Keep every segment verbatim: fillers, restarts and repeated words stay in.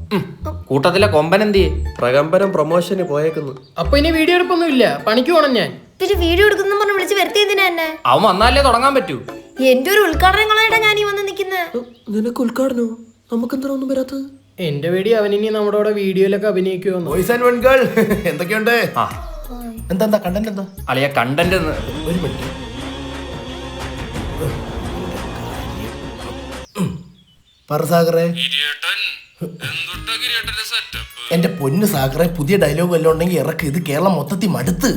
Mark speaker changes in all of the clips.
Speaker 1: കൂട്ടത്തിലെ കൊമ്പൻ എന്തിയെ?
Speaker 2: പ്രകമ്പനം പ്രൊമോഷന് പോയേക്കുന്നു.
Speaker 3: അപ്പൊ ഇനി വീഡിയോ എടുപ്പൊന്നും ഇല്ല, പണിക്ക് പോണം ഞാൻ.
Speaker 4: പിന്നെ വീഡിയോ എടുക്കുന്ന പറഞ്ഞ് വിളിച്ച് വരുത്തിയതിനാ എന്നെ?
Speaker 1: അവൻ വന്നാലേ തുടങ്ങാൻ പറ്റൂ.
Speaker 4: എന്റെ ഒരു ഉദ്ഘാടനങ്ങളായിട്ടാ ഞാൻ ഈ വന്ന് നിക്കുന്നത്.
Speaker 2: നിനക്ക് ഉദ്ഘാടനോ? നമുക്കെന്താ ഒന്നും വരാത്തത്?
Speaker 3: എന്റെ പേടി അവനിനി നമ്മുടെ കൂടെ വീഡിയോയിലൊക്കെ അഭിനയിക്കുമെന്ന്.
Speaker 5: ബോയ്സ് ആൻഡ് വൺകൾ എന്തൊക്കെയുണ്ട്? എന്താ എന്താ കണ്ടന്റ് എന്താ?
Speaker 1: അളിയ കണ്ടന്റ്
Speaker 5: ഒരു മിനിറ്റ്. പറ സാഗറേ. എന്റെ പൊന്ന് സാഗറെ, പുതിയ ഡയലോഗ് വല്ലതും ഉണ്ടെങ്കിൽ ഇറക്ക്. ഇത് കേരളം മൊത്തത്തിൽ മടുത്ത്.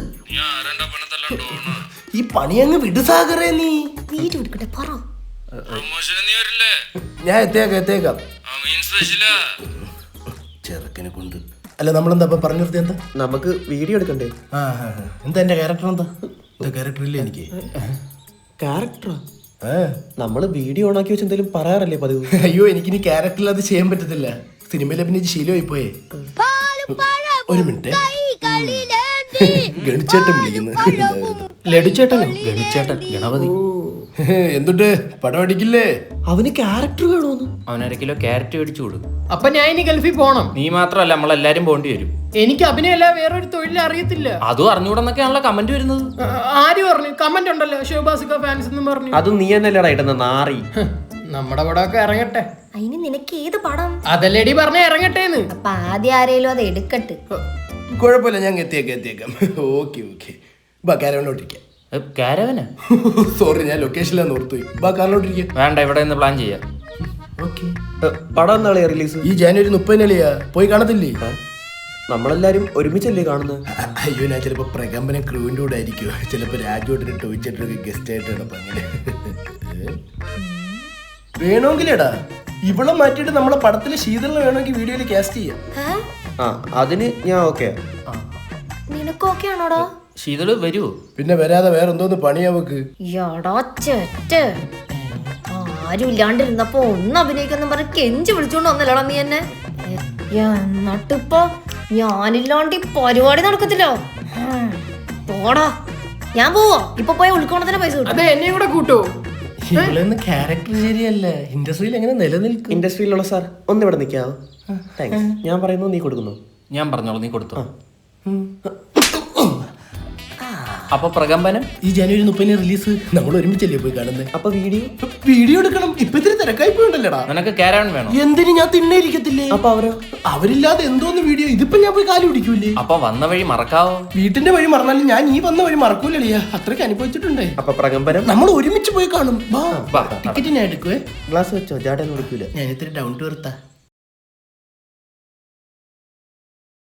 Speaker 5: ഈ പണിയങ്ങ് വിട് സാഗറെ. നീ
Speaker 4: വീഡിയോ എടുക്കട്ടെ പറ.
Speaker 5: ഞാൻ എത്തേക്കാം എത്തേക്കാം ചെറുക്കനെ കൊണ്ട്. അല്ല നമ്മളെന്താ പറഞ്ഞു നിർത്തി? എന്താ
Speaker 2: നമുക്ക് വീഡിയോ എടുക്കണ്ടേ?
Speaker 5: ആ എന്താ എന്റെ ക്യാരക്ടർ? എന്താ എന്താ ക്യാരക്ടർ ഇല്ല എനിക്ക്?
Speaker 2: ക്യാരക്ടറാ? നമ്മള് വീഡിയോ ഓണാക്കി വെച്ച് എന്തെങ്കിലും പറയാറല്ലേ പതിവ്?
Speaker 5: അയ്യോ, എനിക്കിനി ക്യാരക്ടറിൽ അത് ചെയ്യാൻ പറ്റത്തില്ല. സിനിമയിൽ അഭിനയിച്ച് ശീലമായി പോയേ. ഒരു മിനിറ്റ്. ഗണിച്ചേട്ടൻ വിളിക്കുന്നു.
Speaker 3: ലഡുചേട്ടനോ?
Speaker 1: ഗണിച്ചേട്ടൻ, ഗണപതി.
Speaker 5: എന്തുട്ട് പടം അടിക്കില്ലേ?
Speaker 2: അവന് ക്യാരക്ടർ വേണോന്ന്?
Speaker 1: അവനര കിലോ ക്യാരറ്റ് മേടിച്ചു കൊടുക്കും.
Speaker 3: അപ്പൊ ഞാൻ ഇനി ഗൾഫിൽ പോണം.
Speaker 1: നീ മാത്രമല്ല, നമ്മളെല്ലാരും പോണ്ടി വരും.
Speaker 3: എനിക്ക് അഭിനയല്ല വേറൊരു തൊഴിൽ അറിയത്തില്ല.
Speaker 1: അതും അറിഞ്ഞൂടെന്നൊക്കെയാണല്ലോ കമന്റ് വരുന്നത്.
Speaker 3: ആര് പറഞ്ഞു? കമന്റ് ഉണ്ടല്ലോ, ശോഭാസിക ഫാൻസ് എന്ന് പറഞ്ഞു.
Speaker 2: അത് നീ എന്നല്ലേടാ ഇടുന്ന നാറി.
Speaker 3: നമ്മുടെ പടമൊക്കെ ഇറങ്ങട്ടെ.
Speaker 4: അതിന് നിനക്ക് ഏത് പടം?
Speaker 3: അതല്ലേടി പറഞ്ഞ ഇറങ്ങട്ടേന്ന്.
Speaker 4: അപ്പൊ ആദ്യം ആരേലും അത് എടുക്കട്ടെ.
Speaker 5: കുഴപ്പമില്ല, ഞാൻ എത്തിയേക്കാം എത്തിയേക്കാം. Okay okay. ബാ കാരവനോട്ടിരിക്കാം.
Speaker 1: കാരവന?
Speaker 5: സോറി, ഞാൻ ലൊക്കേഷനിലാണ് ഓർത്തുപോയി. ബാ കാറിലോട്ടിരിക്കാം.
Speaker 1: വേണ്ട, ഇവിടെ നിന്ന് പ്ലാൻ ചെയ്യാം.
Speaker 5: ഓക്കെ.
Speaker 2: പടം എന്നാളെ റിലീസ്?
Speaker 5: ഈ ജാനുവരി മുപ്പതിനല്ലയാ. പോയി കാണത്തില്ലേ?
Speaker 2: നമ്മളെല്ലാരും ഒരുമിച്ചല്ലേ കാണുന്നത്?
Speaker 5: അയ്യോ, ഞാൻ ചിലപ്പോ പ്രകമ്പനം ക്രൂവിന്റെ കൂടെ ആയിരിക്കും. ചിലപ്പോ രാജുവേട്ടനും ടോയ്ച്ചേട്ടനൊക്കെ ഗസ്റ്റ് ആയിട്ടാണ്. അപ്പൊ അങ്ങനെ വേണമെങ്കിലേടാ ഇവളെ മാറ്റിയിട്ട് നമ്മളെ പടത്തില് ശീതളിനെ വേണമെങ്കിൽ വീഡിയോയിൽ കാസ്റ്റ് ചെയ്യാം.
Speaker 2: ആ അതിന് ഞാൻ ഓക്കെ.
Speaker 4: നിനക്ക് ഓക്കെ ആണോടാ?
Speaker 1: ശീതള് വരുവോ?
Speaker 5: പിന്നെ വരാതെ വേറെ എന്തോന്ന് പണിയാ നമുക്ക്?
Speaker 4: ആരും ഇല്ലാണ്ടിരുന്നപ്പോ ഒന്ന് അഭിനയിക്കുന്ന പറഞ്ഞ് കെഞ്ചി വിളിച്ചോണ്ട് വന്നല്ലോടാ നീ എന്നെ. എന്നിട്ടിപ്പോ ഞാനില്ലാണ്ട് ഈ പരിപാടി നടക്കത്തില്ലോ. പോടാ, ഞാൻ പോവോ? ഇപ്പൊ പോയ ഉൾക്കോണത്തിന് പൈസ കിട്ടും.
Speaker 3: അതെ, എന്നെയും കൂടെ കൂട്ടോ.
Speaker 5: ഇവളൊന്നും ക്യാരക്ടർ ശരിയല്ല. ഇൻഡസ്ട്രിയിൽ എങ്ങനെ നിലനിൽക്കും?
Speaker 2: ഇൻഡസ്ട്രിയിലുള്ള സാർ ഒന്ന് ഇവിടെ നിൽക്കാവോ? താങ്ക്സ്. ഞാൻ പറയുന്നു, നീ കൊടുക്കുന്നു.
Speaker 1: ഞാൻ പറഞ്ഞോളൂ, നീ കൊടുത്തോ. അപ്പൊ പ്രകമ്പനം
Speaker 5: ഈ ജനുവരി മുപ്പതിന് റിലീസ്. നമ്മൾ ഒരുമിച്ചല്ലേ പോയി കാണുന്നത്?
Speaker 2: അപ്പൊ വീഡിയോ
Speaker 5: വീഡിയോ എടുക്കണം. ഇപ്പൊ ഇത്തിരി തിരക്കായി പോയിണ്ടല്ലേടാ.
Speaker 1: നിനക്ക് കാരവൻ വേണം.
Speaker 5: എന്തിനു? ഞാൻ തിന്നെ ഇരിക്കത്തില്ലേ?
Speaker 2: അപ്പൊ അവരോ?
Speaker 5: അവരില്ലാതെ എന്തോന്ന് വീഡിയോ? ഇതിപ്പോ ഞാൻ പോയി കാല് പിടിക്കൂലേ?
Speaker 1: അപ്പൊ വന്ന വഴി മറക്കാവോ?
Speaker 5: വീട്ടിന്റെ വഴി മറന്നാലും ഞാൻ ഈ വന്ന വഴി മറക്കൂലേ. അത്രയ്ക്ക് അനുഭവിച്ചിട്ടുണ്ടേ.
Speaker 2: അപ്പൊ പ്രകമ്പനം
Speaker 5: നമ്മൾ ഒരുമിച്ച് പോയി കാണും. ടിക്കറ്റ് ഞാൻ എടുക്കുവേ.
Speaker 2: ഗ്ലാസ് വെച്ചോ? ജാട വിളിക്കൂല.
Speaker 5: ഞാൻ ഇത്തിരി ഡൗൺ ടു എർത്താ.